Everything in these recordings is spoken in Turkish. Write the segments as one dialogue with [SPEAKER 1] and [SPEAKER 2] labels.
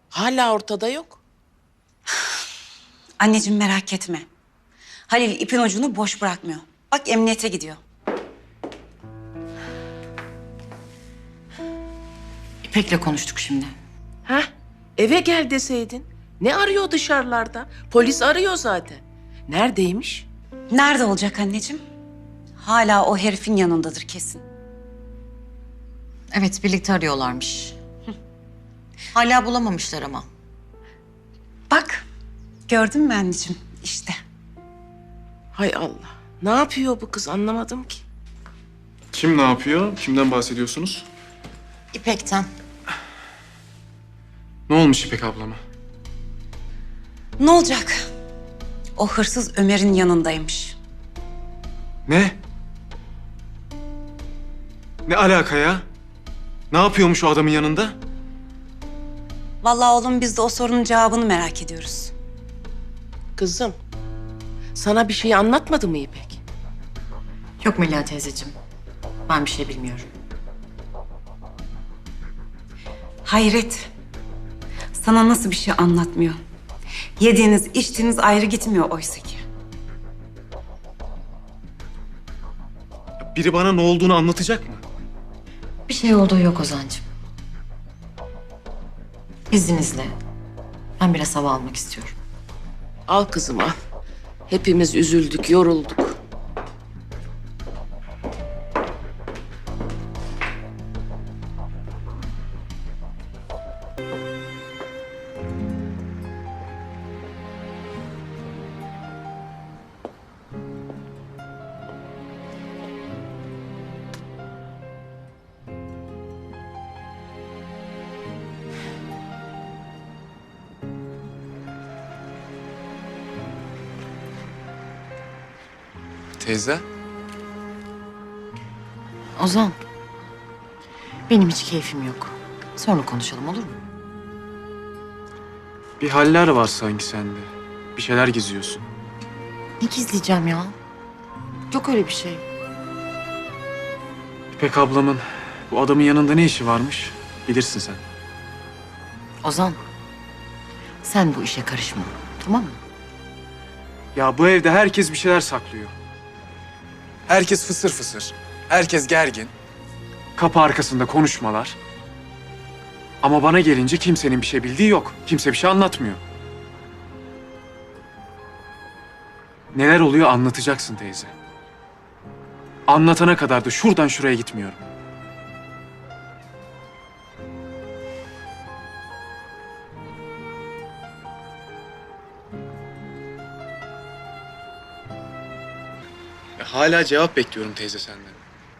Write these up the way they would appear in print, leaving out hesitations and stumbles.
[SPEAKER 1] Hala ortada yok.
[SPEAKER 2] Anneciğim merak etme. Halil ipin ucunu boş bırakmıyor. Bak emniyete gidiyor. İpek'le konuştuk şimdi.
[SPEAKER 1] Heh, eve gel deseydin. Ne arıyor dışarılarda? Polis arıyor zaten. Neredeymiş?
[SPEAKER 2] Nerede olacak anneciğim? Hala o herifin yanındadır kesin.
[SPEAKER 3] Evet, birlikte arıyorlarmış. Hala bulamamışlar ama.
[SPEAKER 2] Bak gördün mü anneciğim işte.
[SPEAKER 1] Hay Allah. Ne yapıyor bu kız anlamadım ki.
[SPEAKER 4] Kim ne yapıyor? Kimden bahsediyorsunuz?
[SPEAKER 3] İpek'ten.
[SPEAKER 4] Ne olmuş İpek ablama?
[SPEAKER 2] Ne olacak? O hırsız Ömer'in yanındaymış.
[SPEAKER 4] Ne? Ne alaka ya? Ne yapıyormuş o adamın yanında?
[SPEAKER 2] Vallahi oğlum biz de o sorunun cevabını merak ediyoruz.
[SPEAKER 1] Kızım, sana bir şey anlatmadı mı İpek?
[SPEAKER 3] Yok Melia teyzeciğim. Ben bir şey bilmiyorum.
[SPEAKER 2] Hayret. Sana nasıl bir şey anlatmıyor? Yediğiniz, içtiğiniz ayrı gitmiyor oysa ki.
[SPEAKER 4] Biri bana ne olduğunu anlatacak mı?
[SPEAKER 3] Bir şey olduğu yok Ozan'cığım. İzninizle. Ben biraz hava almak istiyorum.
[SPEAKER 1] Al kızım al. Hepimiz üzüldük, yorulduk.
[SPEAKER 4] Teyze?
[SPEAKER 3] Ozan. Benim hiç keyfim yok. Sonra konuşalım olur mu?
[SPEAKER 4] Bir haller var sanki sende. Bir şeyler gizliyorsun.
[SPEAKER 3] Ne gizleyeceğim ya? Yok öyle bir şey.
[SPEAKER 4] İpek ablamın bu adamın yanında ne işi varmış? Bilirsin sen.
[SPEAKER 3] Ozan. Sen bu işe karışma. Tamam mı?
[SPEAKER 4] Ya bu evde herkes bir şeyler saklıyor. Herkes fısır fısır. Herkes gergin. Kapı arkasında konuşmalar. Ama bana gelince kimsenin bir şey bildiği yok. Kimse bir şey anlatmıyor. Neler oluyor anlatacaksın teyze. Anlatana kadar da şuradan şuraya gitmiyorum. Hala cevap bekliyorum teyze senden.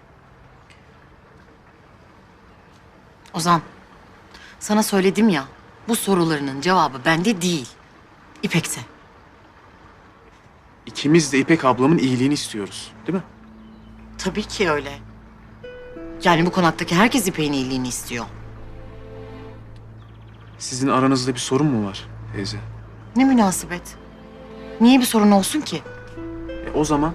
[SPEAKER 3] Ozan. Sana söyledim ya. Bu sorularının cevabı bende değil. İpek'te.
[SPEAKER 4] İkimiz de İpek ablamın iyiliğini istiyoruz, değil mi?
[SPEAKER 3] Tabii ki öyle. Yani bu konaktaki herkes İpek'in iyiliğini istiyor.
[SPEAKER 4] Sizin aranızda bir sorun mu var teyze?
[SPEAKER 3] Ne münasebet. Niye bir sorun olsun ki?
[SPEAKER 4] O zaman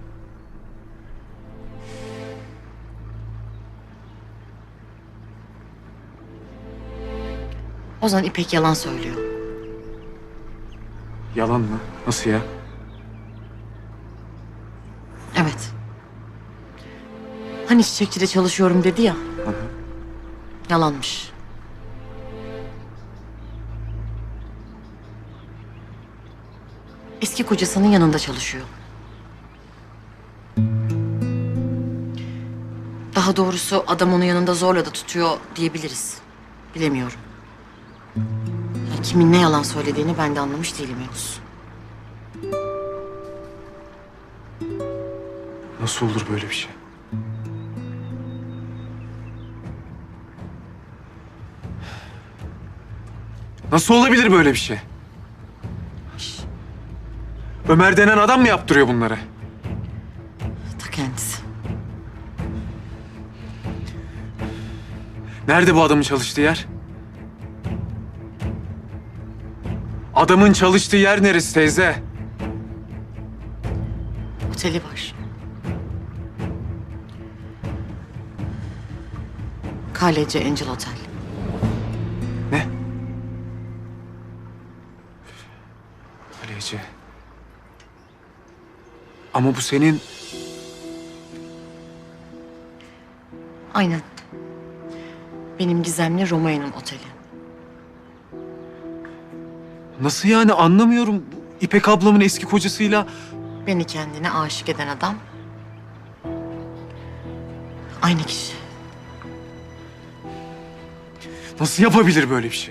[SPEAKER 3] Ozan İpek yalan söylüyor.
[SPEAKER 4] yalan mı? Nasıl ya?
[SPEAKER 3] Evet. Hani çiçekçide çalışıyorum dedi ya.
[SPEAKER 4] Hı hı.
[SPEAKER 3] Yalanmış. Eski kocasının yanında çalışıyor. Daha doğrusu adam onu yanında zorla da tutuyor diyebiliriz. Bilemiyorum. Ya kimin ne yalan söylediğini ben de anlamış değilim henüz.
[SPEAKER 4] Nasıl olur böyle bir şey? Nasıl olabilir böyle bir şey? Ömer denen adam mı yaptırıyor bunları?
[SPEAKER 3] Ta kendisi.
[SPEAKER 4] Nerede bu adamın çalıştığı yer? Adamın çalıştığı yer neresi teyze?
[SPEAKER 3] Oteli var. KLC Angel Otel.
[SPEAKER 4] Ne? sadece. Ama bu senin...
[SPEAKER 3] Aynen. Benim Gizem'le Romeo'nun oteli.
[SPEAKER 4] Nasıl yani, anlamıyorum. Bu İpek ablamın eski kocasıyla...
[SPEAKER 3] Beni kendine aşık eden adam aynı kişi.
[SPEAKER 4] Nasıl yapabilir böyle bir şey?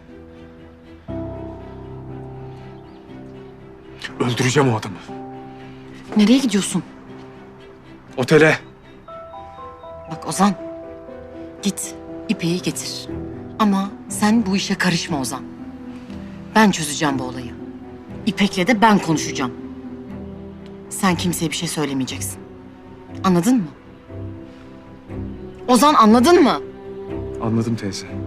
[SPEAKER 4] Öldüreceğim o adamı.
[SPEAKER 3] Nereye gidiyorsun?
[SPEAKER 4] Otele.
[SPEAKER 3] Bak Ozan, git İpek'i getir. Ama sen bu işe karışma Ozan. Ben çözeceğim bu olayı. İpek'le de ben konuşacağım. Sen kimseye bir şey söylemeyeceksin. Anladın mı? Ozan, anladın mı?
[SPEAKER 4] Anladım teyze.